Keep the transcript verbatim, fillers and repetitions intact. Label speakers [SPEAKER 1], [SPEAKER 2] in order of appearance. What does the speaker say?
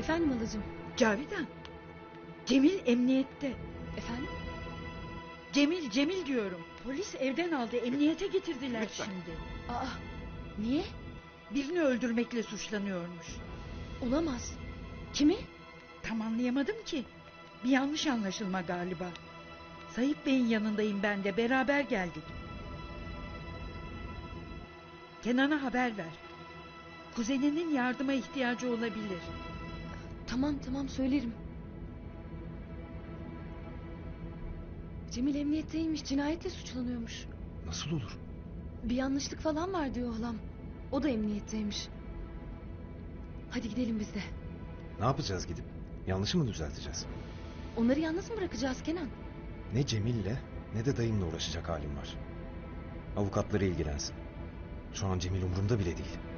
[SPEAKER 1] Efendim halacığım?
[SPEAKER 2] Cavidan. Cemil emniyette.
[SPEAKER 1] Efendim?
[SPEAKER 2] Cemil Cemil diyorum. Polis evden aldı, emniyete getirdiler
[SPEAKER 3] Lütfen.
[SPEAKER 2] şimdi.
[SPEAKER 1] Aa, niye?
[SPEAKER 2] Birini öldürmekle suçlanıyormuş.
[SPEAKER 1] Olamaz. Kimi?
[SPEAKER 2] Tam anlayamadım ki. Bir yanlış anlaşılma galiba. Sayıp Bey'in yanındayım ben de, beraber geldik. Kenan'a haber ver. Kuzeninin yardıma ihtiyacı olabilir.
[SPEAKER 1] Tamam tamam söylerim. Cemil emniyetteymiş, cinayetle suçlanıyormuş.
[SPEAKER 3] Nasıl olur?
[SPEAKER 1] Bir yanlışlık falan var diyor halam. O da emniyetteymiş. Hadi gidelim biz de.
[SPEAKER 3] Ne yapacağız gidip? Yanlışı mı düzelteceğiz?
[SPEAKER 1] Onları yalnız mı bırakacağız Kenan?
[SPEAKER 3] Ne Cemil'le ne de dayımla uğraşacak halim var. Avukatları ilgilensin. Şu an Cemil umurumda bile değil.